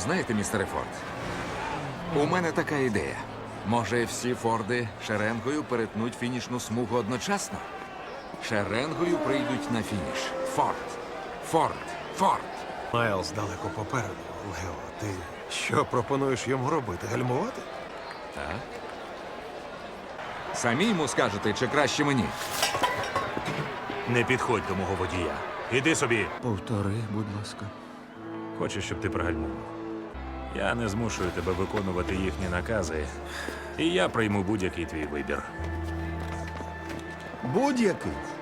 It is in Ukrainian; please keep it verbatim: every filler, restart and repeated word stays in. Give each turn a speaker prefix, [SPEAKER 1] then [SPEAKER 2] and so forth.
[SPEAKER 1] Знаєте, містере Форд, у мене така ідея. Може, всі Форди шеренгою перетнуть фінішну смугу одночасно? Шеренгою прийдуть на фініш. Форд. Форд. Форд.
[SPEAKER 2] Майлз далеко попереду. Лео, ти що пропонуєш йому робити? Гальмувати?
[SPEAKER 1] Так. Самі йому скажете, чи краще мені?
[SPEAKER 3] Не підходь до мого водія. Іди собі.
[SPEAKER 4] Повтори, будь ласка.
[SPEAKER 3] Хочу, щоб ти пригальмував. Я не змушую тебе виконувати їхні накази, і я прийму будь-який твій вибір.
[SPEAKER 4] Будь-який.